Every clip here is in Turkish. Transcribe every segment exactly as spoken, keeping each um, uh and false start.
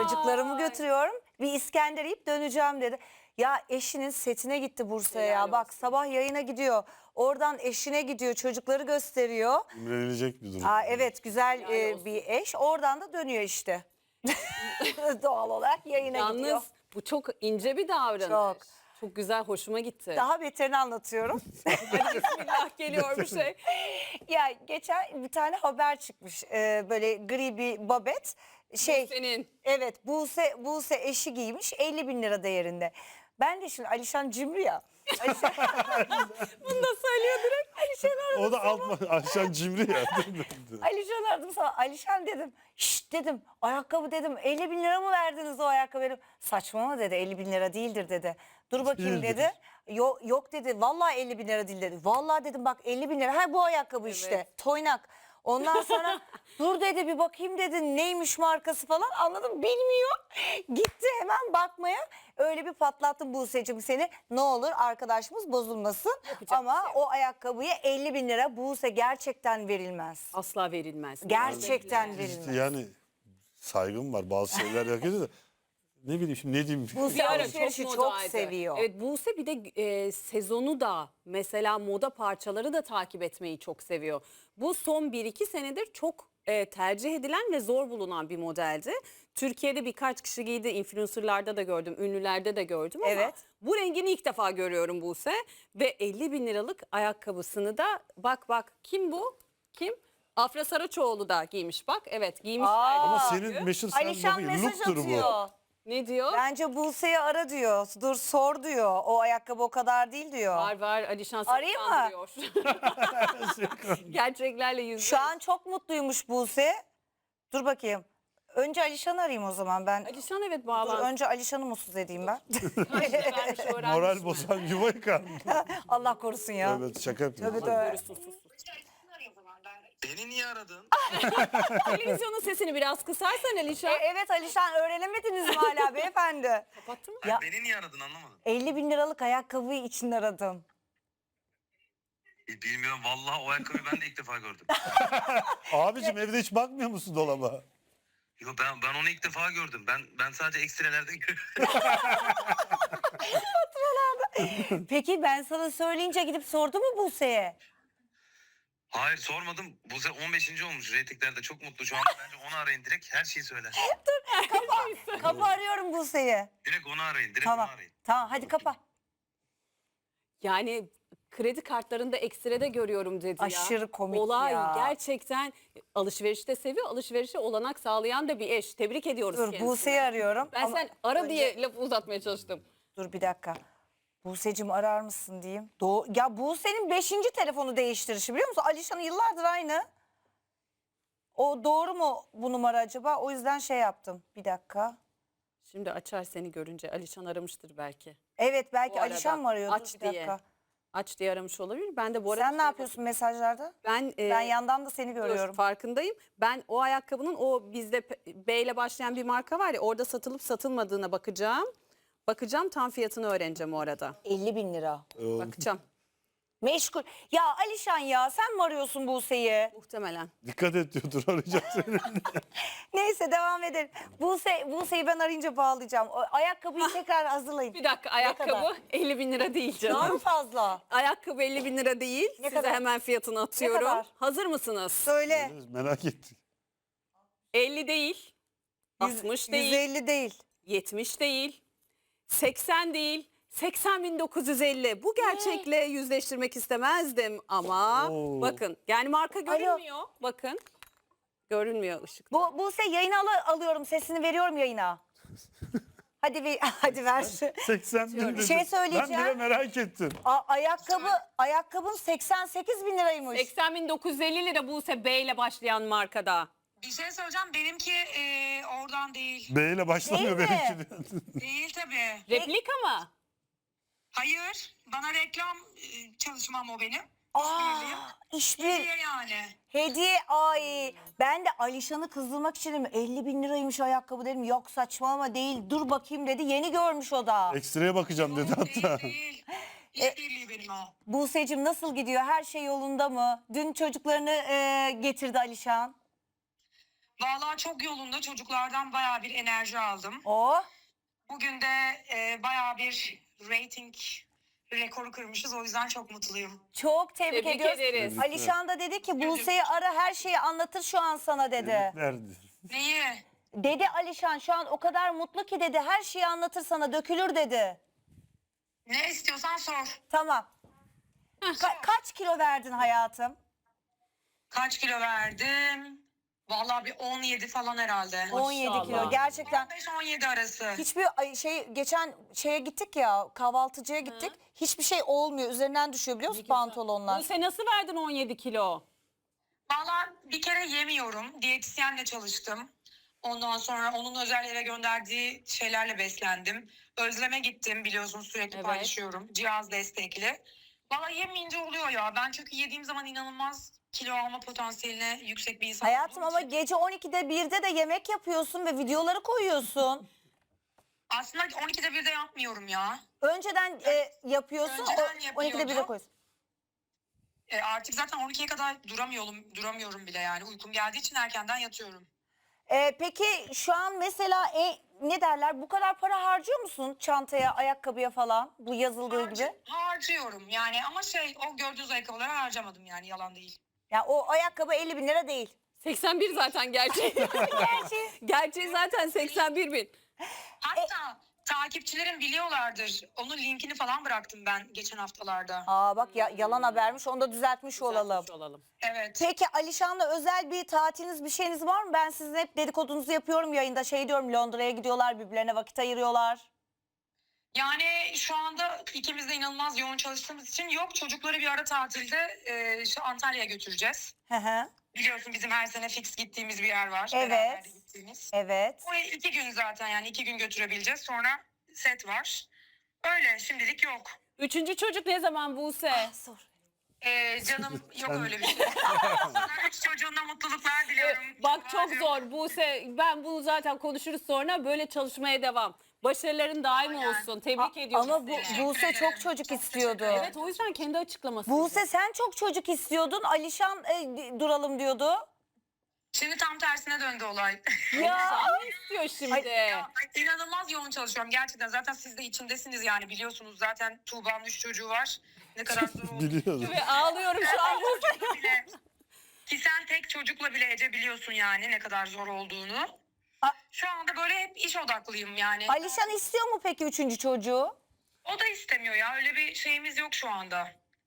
Çocuklarımı götürüyorum. Bir İskender yiyip döneceğim dedi. Ya eşinin setine gitti Bursa'ya ya. Bak sabah yayına gidiyor. Oradan eşine gidiyor. Çocukları gösteriyor. İmrenilecek bir durum. Aa, evet güzel Helal e, olsun. bir eş. Oradan da dönüyor işte. Doğal olarak yayına Yalnız gidiyor. bu çok ince bir davranış. Çok. Çok güzel, hoşuma gitti. Daha beterini anlatıyorum. Bismillah geliyor bir şey. Ya geçen bir tane haber çıkmış. Ee, böyle gri bir babet. Şey, Senin. evet Buse, Buse eşi giymiş elli bin lira değerinde. Ben de şimdi Alişan cimri ya. Alişan, Bunu da söylüyor direkt. Alişan aradım. O da alt Ayşen cimri ya. Alişan aradım sana. Alişan dedim. Şşt dedim. Ayakkabı dedim. elli bin lira mı verdiniz o ayakkabı? Dedim. Saçmalama dedi. elli bin lira değildir dedi. Dur bakayım Değildir. dedi. Yok, yok dedi. Vallahi elli bin lira değil dedi. Vallahi dedim bak elli bin lira. Ha bu ayakkabı Evet. işte. Toynak. Ondan sonra dur dedi bir bakayım dedi. Neymiş markası falan anladım. Bilmiyor. Gitti hemen bakmaya. Öyle bir patlattım Buse'cim seni. Ne olur arkadaşımız bozulmasın. Yapacak Ama bir şey yok. o ayakkabıya elli bin lira Buse gerçekten verilmez. Asla verilmez. Gerçekten verilmez. Yani saygım var, bazı şeyler yapıyor da ne bileyim şimdi ne diyeyim. Buse Bir ara alışverişi çok, modaydı. seviyor. Evet, Buse bir de e, sezonu da mesela moda parçaları da takip etmeyi çok seviyor. Bu son bir iki senedir çok e, tercih edilen ve zor bulunan bir modeldi. Türkiye'de birkaç kişi giydi, influencerlarda da gördüm, ünlülerde de gördüm ama Evet. bu rengini ilk defa görüyorum Buse. Ve elli bin liralık ayakkabısını da bak bak kim bu? Kim? Afra Saraçoğlu da giymiş bak. Evet giymişler. Aa, Ama senin meşhur sen Alişan bakın, mesaj look'tur bu. atıyor. Ne diyor? Bence Buse'yi ara diyor. Dur sor diyor. O ayakkabı o kadar değil diyor. Var var Alişan seni Arayayım mı? kandırıyor. Gerçeklerle yüzleş. Şu an çok mutluymuş Buse. Dur bakayım. Önce Alişan'ı arayayım o zaman ben. Alişan evet Dur, bağlan. önce Alişan'ı mutsuz edeyim ben. Vermiş, öğrenmiş Moral mi? bozan yuva yıkar. Allah korusun ya. Evet şaka yapıyorum. Tövbe tövbe. Sus, sus, sus. Beni niye aradın? Televizyonun sesini biraz kısarsan E, Alişan. evet Alişan öğrenemediniz mi hala beyefendi? Kapattın mı? Ya- Beni niye aradın anlamadım. elli bin liralık ayakkabıyı için aradım. E, bilmiyorum vallahi o ayakkabıyı ben de ilk defa gördüm. Abicim evde hiç bakmıyor musun dolaba? Yo ben ben onu ilk defa gördüm. Ben ben sadece ekstrelerde görüyorum. Peki ben sana söyleyince gidip sordu mu Buse'ye? Hayır sormadım. Bu sefer on beşinci olmuş. Reytinglerde çok mutlu şu anda. Bence onu arayın direkt her şeyi söyler. Kapı arıyorum Buse'yi. Direkt onu arayın. Direkt Tamam. onu arayın. Tamam hadi kapa. Yani kredi kartlarında ekstrede görüyorum dedi ya. Aşırı komik Olay ya. gerçekten alışverişi de seviyor. Alışverişe olanak sağlayan da bir eş. Tebrik ediyoruz Dur kendisini. Buse'yi arıyorum. Ben Ama sen ara önce- diye lafı uzatmaya çalıştım. Dur bir dakika. Buse'cim arar mısın diyeyim. Doğu... Ya Buse'nin beşinci telefonu değiştirişi biliyor musun? Alişan'ın yıllardır aynı. O doğru mu bu numara acaba? O yüzden şey yaptım. Bir dakika. Şimdi açar seni görünce. Alişan aramıştır belki. Evet belki Bu arada Alişan mı arıyor? Dur aç bir diye. dakika. Aç diye aramış olabilir. Ben de bu arada... Sen ne yapıyorsun mesajlarda? Ben, e, Ben yandan da seni dur, görüyorum. farkındayım. Ben o ayakkabının o bizde P- B ile başlayan bir marka var ya orada satılıp satılmadığına bakacağım. Bakacağım tam fiyatını öğreneceğim o arada. elli bin lira. Bakacağım Meşgul. Ya Alişan ya sen mi arıyorsun Buse'yi? muhtemelen. Dikkat et diyordur arayacak seni. Neyse devam edelim. Buse, Buse'yi ben arayınca bağlayacağım. O ayakkabıyı tekrar hazırlayın. Bir dakika kadar? ayakkabı elli bin lira değil Daha mı canım. fazla? Ayakkabı elli bin lira değil. Ne Size kadar? hemen fiyatını atıyorum. kadar? Hazır mısınız? Söyle. Merak ettik. elli değil. altmış değil. yüz elli değil. yetmiş değil. seksen değil. seksen bin dokuz yüz elli. Bu gerçekle yüzleştirmek istemezdim ama Oo. bakın yani marka görünmüyor. Bakın. Görünmüyor ışık. Bu Buse yayına al- alıyorum sesini veriyorum yayına. Hadi bir hadi ver. seksen bin Bir dedi. şey söyleyeceğim. Ben bile merak ettim. A- ayakkabı ayakkabın seksen sekiz bin liraymış. seksen bin dokuz yüz elli lira Buse B ile başlayan markada. Bir şey söyleyeceğim. Benimki e, oradan değil. B ile başlamıyor Değil mi? benimki. diyor. Değil tabii. Replika mı? Hayır. Bana reklam e, çalışmam o benim. Aa, İşbirliği. işbir Hediye yani. hediye ay. Ben de Alişan'ı kızdırmak için dedim elli bin liraymış ayakkabı dedim. Yok saçmalama değil dur bakayım dedi. Yeni görmüş o da. Ekstraya bakacağım dedi hatta. Değil değil. İşbirliği benim o. Buse'cim nasıl gidiyor? Her şey yolunda mı? Dün çocuklarını e, getirdi Alişan. Vallahi çok yolunda, çocuklardan bayağı bir enerji aldım. Oh. Bugün de e, bayağı bir rating rekoru kırmışız. O yüzden çok mutluyum. Çok tebrik, Tebrik ediyoruz. ederiz. Alişan da dedi ki Buse'yi ara, her şeyi anlatır şu an sana dedi. Tebrikler. Neyi? Dedi Alişan şu an o kadar mutlu ki dedi, her şeyi anlatır sana, dökülür dedi. Ne istiyorsan sor. Tamam. Ka- kaç kilo verdin hayatım? Kaç kilo verdim? Vallahi bir on yedi falan herhalde. on yedi kilo Maşallah. gerçekten. on beş on yedi arası. Hiçbir ay- şey, geçen şeye gittik ya, kahvaltıcıya gittik. Hiçbir şey olmuyor, üzerinden düşüyor biliyor musun pantolonlar? Buse nasıl verdin on yedi kilo? Vallahi bir kere yemiyorum. Diyetisyenle çalıştım. Ondan sonra onun özel eve gönderdiği şeylerle beslendim. Özleme gittim, biliyorsun sürekli Evet. paylaşıyorum. Cihaz destekli. Vallahi yemeyince oluyor ya. Ben çünkü yediğim zaman inanılmaz kilo alma potansiyeline yüksek bir insan Hayatım olduğum ama için. gece on ikide birde de yemek yapıyorsun ve videoları koyuyorsun. Aslında on ikide birde yapmıyorum ya. Önceden e, yapıyorsun, Önceden o, on ikide birde yapıyordum. koyuyorsun. E artık zaten on ikiye kadar duramıyorum, duramıyorum bile yani. Uykum geldiği için erkenden yatıyorum. E, peki şu an mesela e, ne derler, bu kadar para harcıyor musun çantaya, ayakkabıya falan, bu yazıldığı Harcı- gibi? harcıyorum yani, ama şey, o gördüğünüz ayakkabıları harcamadım yani, yalan değil. Ya o ayakkabı elli bin lira değil. seksen bir zaten gerçeği. Gerçi. Gerçeği zaten seksen bir bin. Hatta takipçilerim biliyorlardır. Onun linkini falan bıraktım ben geçen haftalarda. Aa bak ya, yalan habermiş, onu da düzeltmiş olalım. Düzeltmiş olalım. Evet. Peki Alişan'la özel bir tatiliniz, bir şeyiniz var mı? Ben sizin hep dedikodunuzu yapıyorum yayında, şey diyorum, Londra'ya gidiyorlar, birbirlerine vakit ayırıyorlar. Yani şu anda ikimiz de inanılmaz yoğun çalıştığımız için yok. Çocukları bir ara tatilde e, işte Antalya'ya götüreceğiz. Hı hı. Biliyorsun bizim her sene fix gittiğimiz bir yer var. Evet. Beraber de gittiğimiz. Evet. Oraya iki gün zaten, yani iki gün götürebileceğiz. Sonra set var. Öyle, şimdilik yok. Üçüncü çocuk ne zaman Buse? Sor. Ee, canım yok öyle bir şey. Sana üç çocuğuna mutluluklar diliyorum. Bak çok Tuğba'cığım. zor Buse. Ben bunu zaten konuşuruz sonra. Böyle çalışmaya devam. Başarıların daim Aynen. olsun. Tebrik A- ediyorum ama bu, seni. Buse ederim. çok çocuk Çok istiyordu. teşekkür ederim. Evet, o yüzden kendi açıklaması. Buse sen çok çocuk istiyordun. Alişan e, duralım diyordu. Şimdi tam tersine döndü olay. Ya. Sen ne istiyor şimdi? Ya, inanılmaz yoğun çalışıyorum gerçekten. Zaten siz de içindesiniz yani, biliyorsunuz zaten Tuğba'nın üç çocuğu var. Ne kadar zor olduğunu Biliyoruz. Ve ağlıyorum şu an. bile. Ki sen tek çocukla bile Ece biliyorsun yani ne kadar zor olduğunu. A- Şu anda böyle hep iş odaklıyım yani. Alişan istiyor mu peki üçüncü çocuğu? O da istemiyor ya, öyle bir şeyimiz yok şu anda.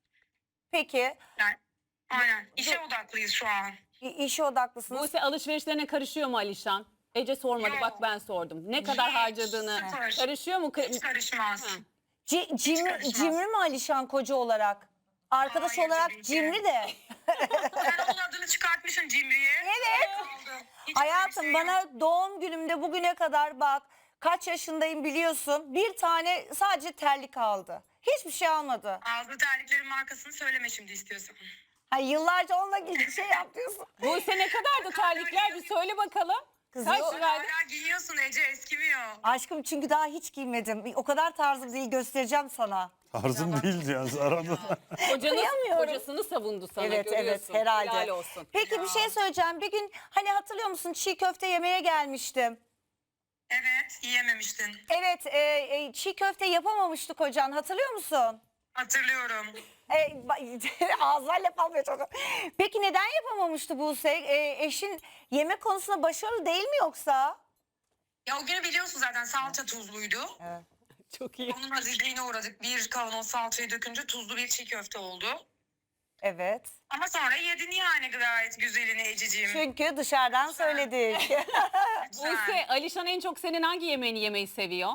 Peki. Yani, aynen işe odaklıyız şu an. İ- işe odaklısınız. Buse alışverişlerine karışıyor mu Alişan? Ece sormadı, Yok. bak ben sordum. Ne kadar Hiç, harcadığını sıfır. karışıyor mu? Hiç karışmaz. Hı. C- cimri, karışmaz. cimri mi Alişan koca olarak? Arkadaş Hayır, olarak tabii ki. cimri de. Sen onun adını çıkartmışsın Cimri'ye. Evet. Aldım. Hiç Hayatım öyle bir şey yok. bana doğum günümde bugüne kadar bak, kaç yaşındayım biliyorsun, bir tane sadece terlik aldı. Hiçbir şey almadı. Aldığı terliklerin markasını söyleme şimdi istiyorsan. Ha, yıllarca onunla ilgili şey yapıyorsun. Buse ne kadardı terlikler, bir söyle bakalım. Kız Kaç yok. liraydı? Hala giyiyorsun Ece, eskimiyor. Aşkım çünkü daha hiç giymedim. O kadar tarzım değil, göstereceğim sana. Tarzım değildi yani arada. Kocanız, Kıyamıyorum. kocasını savundu sana, Evet evet görüyorsun. herhalde. Helal olsun. Peki bir şey söyleyeceğim. Bir gün hani hatırlıyor musun, çiğ köfte yemeye gelmiştim. Evet, yiyememiştin. Evet e, e, çiğ köfte yapamamıştı kocan, hatırlıyor musun? Hatırlıyorum. E, ba- ağzından laf almıyor çocuk. Peki neden yapamamıştı Buse? E, eşin yemek konusunda başarılı değil mi yoksa? Ya o günü biliyorsun zaten, salça tuzluydu. Çok iyi. Onun azizliğine uğradık. Bir kavanoz salçayı dökünce tuzlu bir çiğ köfte oldu. Evet. Ama sonra yedin yani gayet güzelini Ececiğim. Çünkü dışarıdan söyledik. Lütfen. Buse, Alişan en çok senin hangi yemeğini yemeyi seviyor?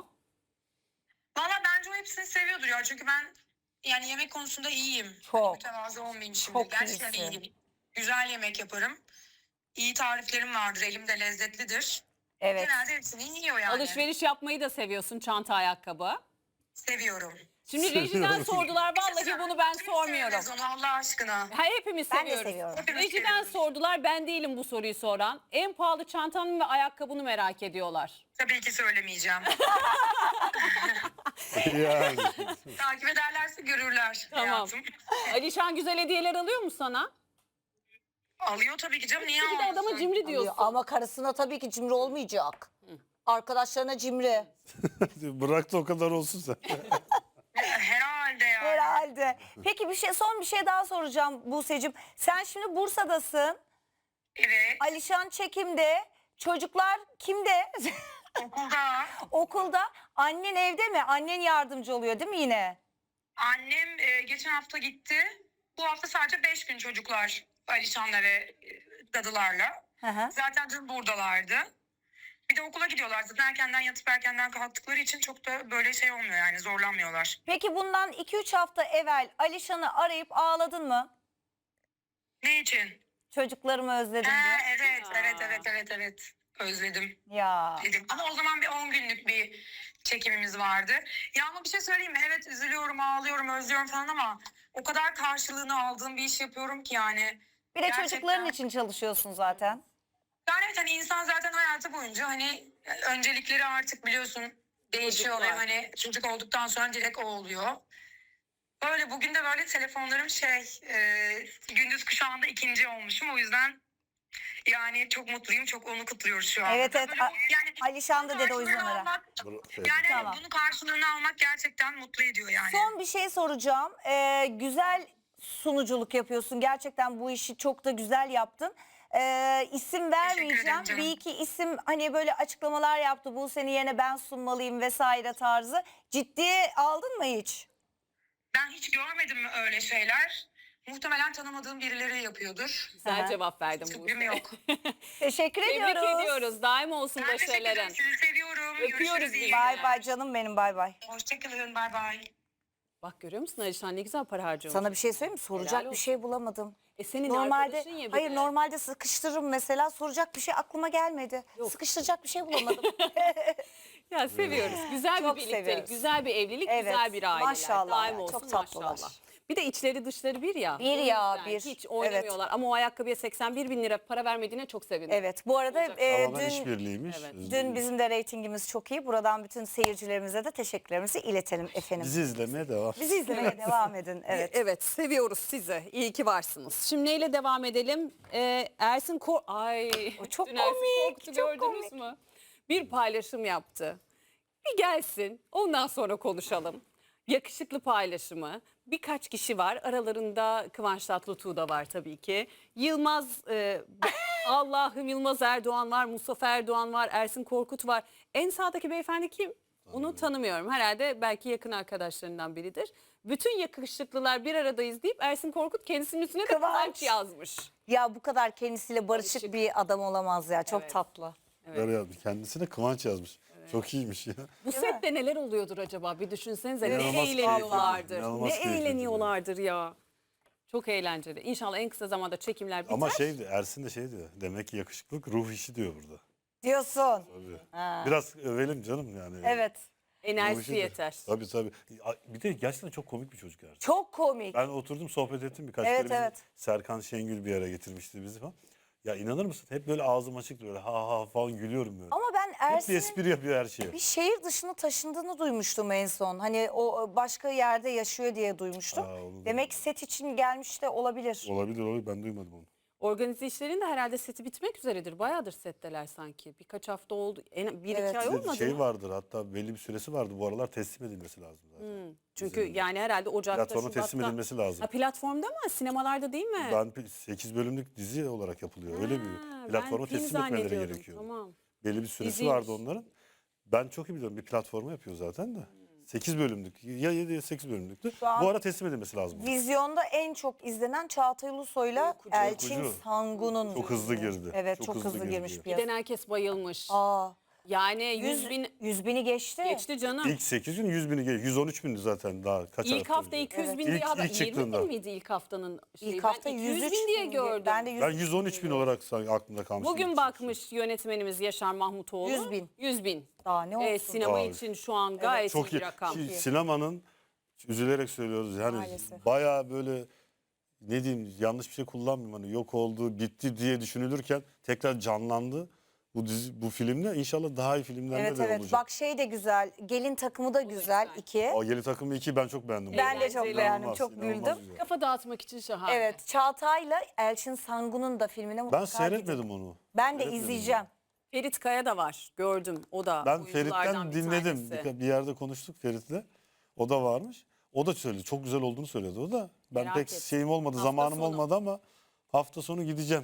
Valla bence o hepsini seviyordur ya. Çünkü ben yani yemek konusunda iyiyim. Çok. Hani mütevazı olmayayım şimdi. Çok Gerçekten iyisin. iyiyim. Güzel yemek yaparım. İyi tariflerim vardır. Elimde lezzetlidir. Evet. Genelde hepsini yiyor yani. Alışveriş yapmayı da seviyorsun, çanta, ayakkabı. Seviyorum. Şimdi rejiden Seviyorum. sordular, vallahi bunu ben Kim sormuyorum. sevmez onu Allah aşkına? Ha, hepimiz Ben de seviyoruz. seviyorum. Hepimiz Rejiden seviyoruz. sordular, ben değilim bu soruyu soran. En pahalı çantanın ve ayakkabını merak ediyorlar. Tabii ki söylemeyeceğim. yani. Takip ederlerse görürler Tamam. hayatım. Alişan güzel hediyeler alıyor mu sana? Alıyor tabii ki canım. Niye Bir de adama almasın? cimri diyorsun. Ama karısına tabii ki cimri olmayacak. Arkadaşlarına cimri. Bırak da o kadar olsun sen. Herhalde yani. Herhalde. Peki bir şey son bir şey daha soracağım Buse'cim. Sen şimdi Bursa'dasın. Evet. Alişan çekimde. Çocuklar kimde? Okulda. Okulda. Annen evde mi? Annen yardımcı oluyor değil mi yine? Annem e, geçen hafta gitti. Bu hafta sadece beş gün çocuklar Alişan'la ve e, dadılarla. Hı hı. Zaten dün buradalardı. Bir de okula gidiyorlar. Zaten erkenden yatıp erkenden kalktıkları için çok da böyle şey olmuyor yani zorlanmıyorlar. Peki bundan iki üç hafta evvel Alişan'ı arayıp ağladın mı? Ne için? Çocuklarımı özledim Ha, diye. evet, Ya. evet, evet, evet, evet. Özledim Ya. dedim. Ama o zaman bir on günlük bir çekimimiz vardı. Ya ama bir şey söyleyeyim mi? Evet üzülüyorum, ağlıyorum, özlüyorum falan ama o kadar karşılığını aldığım bir iş yapıyorum ki yani. Bir de Gerçekten. çocukların için çalışıyorsun zaten. Yani evet hani insan zaten hayatı boyunca hani öncelikleri artık biliyorsun değişiyor ve Çocuklar. hani çocuk olduktan sonra direkt o oluyor. Böyle bugün de böyle telefonlarım şey e, gündüz kuşağında ikinci olmuşum o yüzden yani çok mutluyum çok onu kutluyoruz şu an. Evet, evet. Böyle, A- yani Alişan da dedi o yüzden karşılığını ara. almak, Bıra- yani Tamam. bunun karşılığını almak gerçekten mutlu ediyor yani. Son bir şey soracağım. Ee, güzel sunuculuk yapıyorsun. Gerçekten bu işi çok da güzel yaptın. Ee, isim vermeyeceğim. ederim canım. Bir iki isim hani böyle açıklamalar yaptı. Bu seni yerine ben sunmalıyım vesaire tarzı. Ciddiye aldın mı hiç? Ben hiç görmedim öyle şeyler. Muhtemelen tanımadığım birileri yapıyordur. Güzel Aha. cevap verdim Fikrim Buse. yok. Teşekkür Tebrik ediyoruz. ediyoruz. Daim olsun Ben teşekkür ederim. başarıların. Sizi seviyorum. Öpüyoruz Görüşürüz. biz iyi de. Bay günler. bay canım benim, bay bay. Hoşçakalın. Bay bay. Bak görüyor musun Alişan ne güzel para harcıyormuş. Sana bir şey söyleyeyim mi? Soracak Helal bir olsun. şey bulamadım. E senin Normalde arkadaşın ya bir hayır de. normalde sıkıştırırım mesela, soracak bir şey aklıma gelmedi. Yok. Sıkıştıracak bir şey bulamadım. Ya seviyoruz. Güzel Çok bir birliktelik, seviyoruz. güzel bir evlilik, Evet, güzel bir aileler. maşallah Daim ya, olsun çok tatlılar. maşallah. Bir de içleri dışları bir ya. Bir O ya, yüzden bir. Hiç oynamıyorlar ama o ayakkabıya seksen bir bin lira para vermediğine çok sevindim. Evet, bu arada Olacak. e, Tamamen dün işbirliğiymiş. Evet. dün bizim de reytingimiz çok iyi. Buradan bütün seyircilerimize de teşekkürlerimizi iletelim efendim. Bizi izlemeye devam. Bizi izlemeye devam edin. Evet. Evet seviyoruz sizi. İyi ki varsınız. Şimdi neyle devam edelim? Ee, Ersin Kor... Ay O çok dün Ersin komik, Korkut'u çok gördünüz komik. mü? Bir paylaşım yaptı. Bir gelsin ondan sonra konuşalım. Yakışıklı paylaşımı. Birkaç kişi var. Aralarında Kıvanç Tatlıtuğ da var tabii ki. Yılmaz, e, Allah'ım Yılmaz Erdoğan var. Mustafa Erdoğan var. Ersin Korkut var. En sağdaki beyefendi kim? Onu tanımıyorum. Herhalde belki yakın arkadaşlarından biridir. Bütün yakışıklılar bir aradayız deyip Ersin Korkut kendisinin üstüne de Kıvanç. Kıvanç yazmış. Ya bu kadar kendisiyle barışık Barışık. bir adam olamaz ya. Çok Evet. tatlı. Böyle yazmış. Kendisine Kıvanç yazmış. Çok iyiymiş ya. Bu Değil mi? sette neler oluyordur acaba? Bir düşünsenize. İnanılmaz ne keyifli. eğleniyorlardır. İnanılmaz Ne keyifli. eğleniyorlardır ya. Çok eğlenceli. İnşallah en kısa zamanda çekimler biter. Ama şeydi, Ersin de şey diyor. Demek ki yakışıklık ruh işi diyor burada. Diyorsun. Tabii. Ha. Biraz övelim canım yani. Evet. Ruh Enerjisi işi de. yeter. Tabii tabii. Bir de gerçekten çok komik bir çocuk Ersin. Çok komik. Ben oturdum sohbet ettim birkaç Evet, kere. Bizim evet. Serkan Şengül bir yere getirmişti bizi falan. Ya inanır mısın? Hep böyle ağzım açık böyle ha ha falan gülüyorum böyle. Ama ben Hep bir Ersin'in espri yapıyor her şeye. bir şehir dışına taşındığını duymuştum en son. Hani o başka yerde yaşıyor diye duymuştum. Aa, onu Demek ki set için gelmiş de olabilir. Olabilir olabilir ben duymadım onu. Organize işlerin de herhalde seti bitmek üzeredir. Bayağıdır setteler sanki. Birkaç hafta oldu. En, bir Evet. iki ay Bir de olmadı şey mı? vardır hatta belli bir süresi vardı. Bu aralar teslim edilmesi lazım zaten. Hmm. Çünkü Bizim yani herhalde Ocak'ta, platforma teslim Şubat'ta. edilmesi lazım. Ha, platformda mı? Sinemalarda değil mi? Ben sekiz bölümlük dizi olarak yapılıyor. Öyle Ha, bir platforma ben film teslim etmeleri zannediyordum. gerekiyor. Tamam. Belli bir süresi Diziymiş. vardı onların. Ben çok iyi biliyorum bir platforma yapıyor zaten de. sekiz bölümlük ya yedi ya sekiz bölümlüktü. Şu an Bu ara teslim edilmesi lazım. Vizyonda en çok izlenen Çağatay Ulusoy'la Uykucu. Elçin Uykucu. Sangun'un. Çok hızlı girdi. Evet Çok çok, hızlı hızlı, girdi. girmiş Bir bir Giden herkes bayılmış. Aa, Yani yüz yüz, bin yüz bini geçti. geçti canım. İlk sekiz gün yüz bini geliyor. yüz on üç bindi zaten daha kaç İlk hafta önce. iki yüz bin Evet. diye İlk- haber. ilk yirmi çıktığında. bin miydi ilk haftanın şeyi? İlk hafta ben iki yüz yüz üç bin diye bin gördüm. Ben de yüz Ben yüz on üç bin olarak sanki aklımda kalmış. Bugün İlk bakmış yönetmenimiz Yaşar Mahmutoğlu. Yüz bin. yüz bin. Daha ne olsun. Ee, sinema Abi. için şu an gayet Çok iyi iyi. bir rakam. Ki sinemanın üzülerek söylüyoruz yani Maalesef. bayağı böyle ne diyeyim yanlış bir şey kullanmayayım hani yok oldu bitti diye düşünülürken tekrar canlandı. bu dizi, bu filmde inşallah daha iyi filmlerde Evet de evet. olacak. Bak şey de güzel. Gelin takımı da güzel. güzel. iki. O Yeni Takım iki ben çok beğendim. Ben de çok Eğlenceli. beğendim. İnanılmaz, Çok inanılmaz güldüm. güzel. Kafa dağıtmak için şahane. Evet. Çağatay'la Elçin Sangun'un da filmine mutlaka Ben seyretmedim gidin. onu. Ben de Seyretmedim izleyeceğim. Ferit Kaya da var. Gördüm. O da Ben oyunculardan Ferit'ten bir dinledim. tanesi. Bir, bir yerde konuştuk Ferit'le. O da varmış. O da söyledi. Çok güzel olduğunu söyledi o da. Ben Merak pek ettim. şeyim olmadı, Hafta zamanım sonu. olmadı ama hafta sonu gideceğim.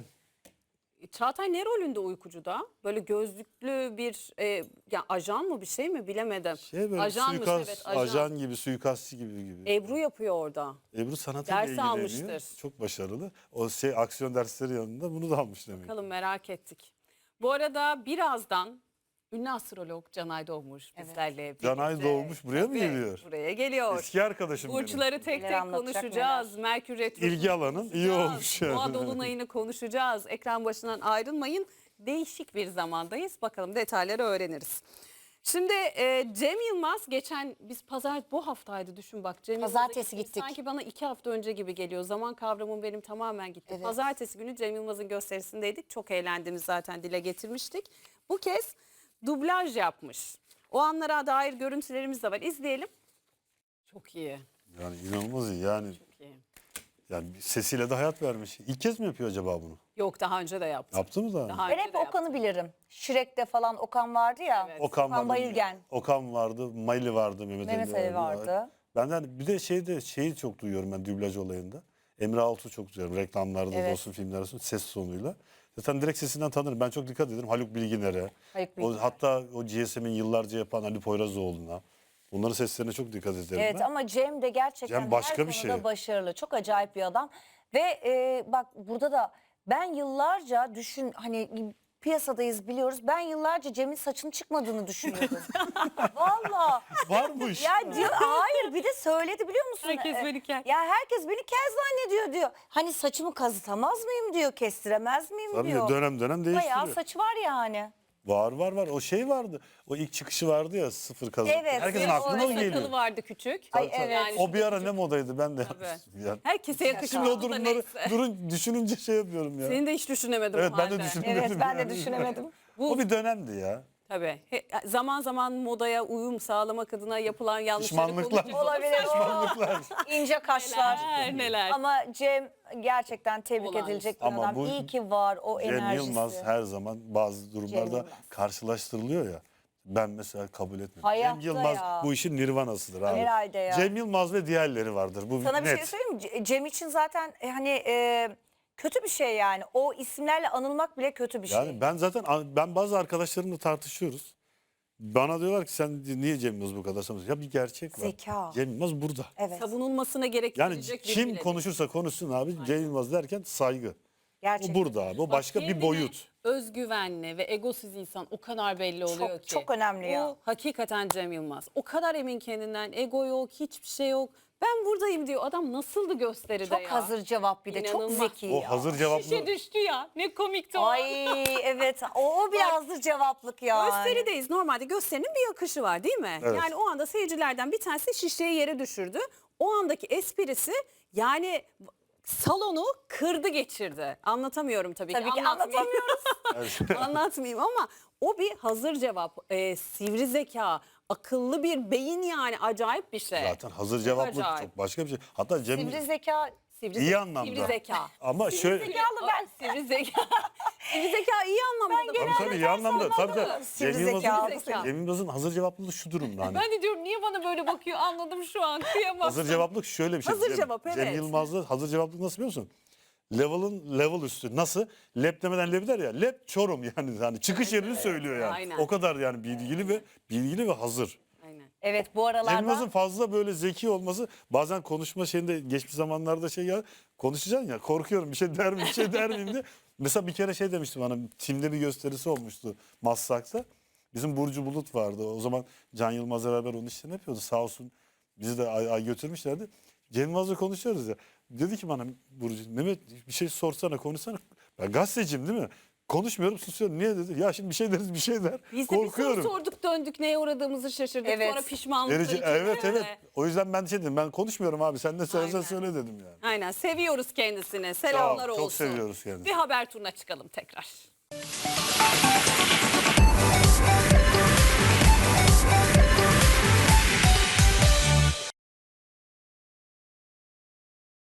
Çağatay ne rolünde uykucuda? Böyle gözlüklü bir e, ya ajan mı bir şey mi bilemedim. Şey böyle Ajanmış, suikast, evet, ajan. ajan. gibi, suikastçı gibi gibi. Ebru yapıyor orada. Ebru sanatıyla Ders ilgileniyor. almıştır. Çok başarılı. O şey aksiyon dersleri yanında bunu da almış demek. Bakalım merak ettik. Bu arada birazdan ünlü astrolog Canay Doğmuş bizlerle birlikte. Canay Doğmuş buraya mı Tabii, geliyor? Buraya geliyor. Eski arkadaşım benim. Burçları tek Neler tek anlatacak, konuşacağız. Merkür Retrosu'nu İlgi alanın iyi konuşacağız. olmuş yani. Boğa dolunayını konuşacağız. Ekran başından ayrılmayın. Değişik bir zamandayız. Bakalım detayları öğreniriz. Şimdi e, Cem Yılmaz geçen biz pazar bu haftaydı düşün bak. Cem Yılmaz'a Pazartesi gittik. gittik. Sanki bana iki hafta önce gibi geliyor. Zaman kavramım benim tamamen gitti. Evet. Pazartesi günü Cem Yılmaz'ın gösterisindeydik. Çok eğlendiğimizi zaten dile getirmiştik. Bu kez dublaj yapmış. O anlara dair görüntülerimiz de var. İzleyelim. Çok iyi. Yani inanılmaz iyi. Yani, Çok iyi. yani sesiyle de hayat vermiş. İlk kez mi yapıyor acaba bunu? Yok daha önce de yaptı. Yaptı mı da? Daha Ben önce hep de yaptı. Okan'ı bilirim. Shrek'te falan Okan vardı ya. Evet. Okan, Okan vardı. Bayülgen. Okan vardı. Mayli vardı. Mehmet, Mehmet Ali Ali vardı. Benden bir de şeyde şeyi çok duyuyorum ben dublaj olayında. Emre Altuğ çok duyuyorum. Reklamlarda da Evet. olsun filmlerde olsun ses tonuyla. Zaten direkt sesinden tanırım. Ben çok dikkat ederim. Haluk Bilginer'e. Haluk O, Bilginer. hatta o G S M'in yıllarca yapan Ali Poyrazoğlu'na. Bunların seslerine çok dikkat ederim Evet ben. ama Cem de gerçekten Cem başka her bir konuda şey. başarılı. Çok acayip bir adam. Ve e, bak burada da ben yıllarca düşün hani piyasadayız biliyoruz. Ben yıllarca Cem'in saçının çıkmadığını düşünüyordum. Valla. Varmış. Ya diyor hayır bir de söyledi biliyor musun? Herkes Ee, beni kel. Ya herkes beni kel zannediyor diyor. Hani saçımı kazıtamaz mıyım diyor. Kestiremez miyim Tabii diyor. dönem dönem değiştiriyor. Bayağı saçı var yani. Var var var. O şey vardı. O ilk çıkışı vardı ya sıfır kazık. Evet, Herkesin evet, aklına o o geliyor. Sakalı vardı küçük. Ay, evet. Yani O bir şurada ara küçük. ne modaydı ben de Tabii. yapmıştım. Yani. Herkese yakışıyor. Şimdi o Bu da durumları neyse. durun düşününce şey yapıyorum ya. Seni de hiç düşünemedim Evet o ben de halde. düşünemedim. Evet ben de yani. düşünemedim. O bir dönemdi ya. Tabii. He- zaman zaman modaya uyum sağlamak adına yapılan yanlışları Pişmanlıklar. konuşuyoruz. Olabilir. Pişmanlıklar. İnce kaşlar. Neler neler. Ama Cem gerçekten tebrik Olağanüstü. edilecek bir Ama adam. bu İyi ki var o Cem enerjisi. Yılmaz her zaman bazı Cem durumlarda Yılmaz. karşılaştırılıyor ya. Ben mesela kabul etmiyorum. Hayatta Cem Yılmaz ya. bu işin nirvanasıdır abi. Herhalde ya. Cem Yılmaz ve diğerleri vardır. Bu Sana bir net. şey söyleyeyim mi? Ce- Cem için zaten e, hani e, kötü bir şey yani. O isimlerle anılmak bile kötü bir şey. Yani ben zaten ben bazı arkadaşlarımla tartışıyoruz. Bana diyorlar ki sen niye Cem Yılmaz bu kadar sanıyorsun? Ya bir gerçek var. Zeka. Cem Yılmaz burada. Evet. Savunulmasına Yani gerektirecek biri kim bile değil. konuşursa konuşsun abi Cem Yılmaz derken saygı. Gerçekten. O burada abi. O başka bir Kendine boyut. Özgüvenli ve egosuz insan o kadar belli oluyor Çok, ki. çok önemli ya. O hakikaten Cem Yılmaz. O kadar emin kendinden. Ego yok, hiçbir şey yok. Ben buradayım diyor. Adam nasıldı gösteride Çok ya? hazır cevap bir de. İnanılmaz. Çok zeki O ya. hazır cevaplı. Şişe düştü ya. Ne komikti o. Ay evet. O, o bir hazır cevaplık ya. Gösterideyiz. Normalde gösterinin bir akışı var değil mi? Evet. Yani o anda seyircilerden bir tanesi şişeyi yere düşürdü. O andaki esprisi yani salonu kırdı geçirdi. Anlatamıyorum tabii, Tabii ki Anlatmayayım. anlatamıyoruz. Anlatmayayım ama o bir hazır cevap. Ee, sivri zeka, akıllı bir beyin yani acayip bir şey. Zaten hazır cevaplı acayip. çok başka bir şey. Hatta Cem Sivri zeka. Sivri iyi ze- anlamda. Sivri zeka. Ama şöyle Zekalı ben. Sivri zeka. Sivri zeka iyi anlamda. da. tabii tabii iyi anlamda. Tabii tabii. Sivri Cem Yılmaz'ın, zeka. Cem Yılmaz'ın hazır cevaplılığı şu durumda hani. Ben de diyorum niye bana böyle bakıyor anladım şu an kıyamam. Hazır cevaplık şöyle bir şey. Hazır Cem, cevap, Cem evet. Yılmaz'da hazır cevaplık nasıl biliyor musun? Level'ın level üstü. Nasıl? Lep demeden lep der ya. Lep Çorum yani. Hani çıkış yerini söylüyor yani. Aynen. O kadar yani bilgili ve bilgili ve hazır. Aynen. Evet bu Cem aralarda. Yılmaz'ın fazla böyle zeki olması bazen konuşma şeyinde geçmiş zamanlarda şey ya konuşacaksın ya korkuyorum bir şey der miyim bir şey der miyim diye. Mesela bir kere şey demişti bana timde bir gösterisi olmuştu Maslak'ta. Bizim Burcu Bulut vardı. O zaman Can Yılmaz beraber onun işlerini yapıyordu. Sağ olsun bizi de ay, ay götürmüşlerdi. Cem Yılmaz'la konuşuyoruz ya. Dedi ki bana Burcu Mehmet bir şey sorsana konuşsana. Ben gazeteciyim değil mi? Konuşmuyorum susuyorum. Niye dedi? Ya şimdi bir şey deriz bir şey der. Biz de Korkuyorum. bir soru sorduk döndük neye uğradığımızı şaşırdık Evet. sonra pişmanlıkla Verici, içinde. evet evet. O yüzden ben şey dedim ben konuşmuyorum abi sen ne söylesen Aynen. söyle dedim yani. Aynen seviyoruz kendisini selamlar Çok, olsun. çok seviyoruz kendisini. Bir haber turuna çıkalım tekrar.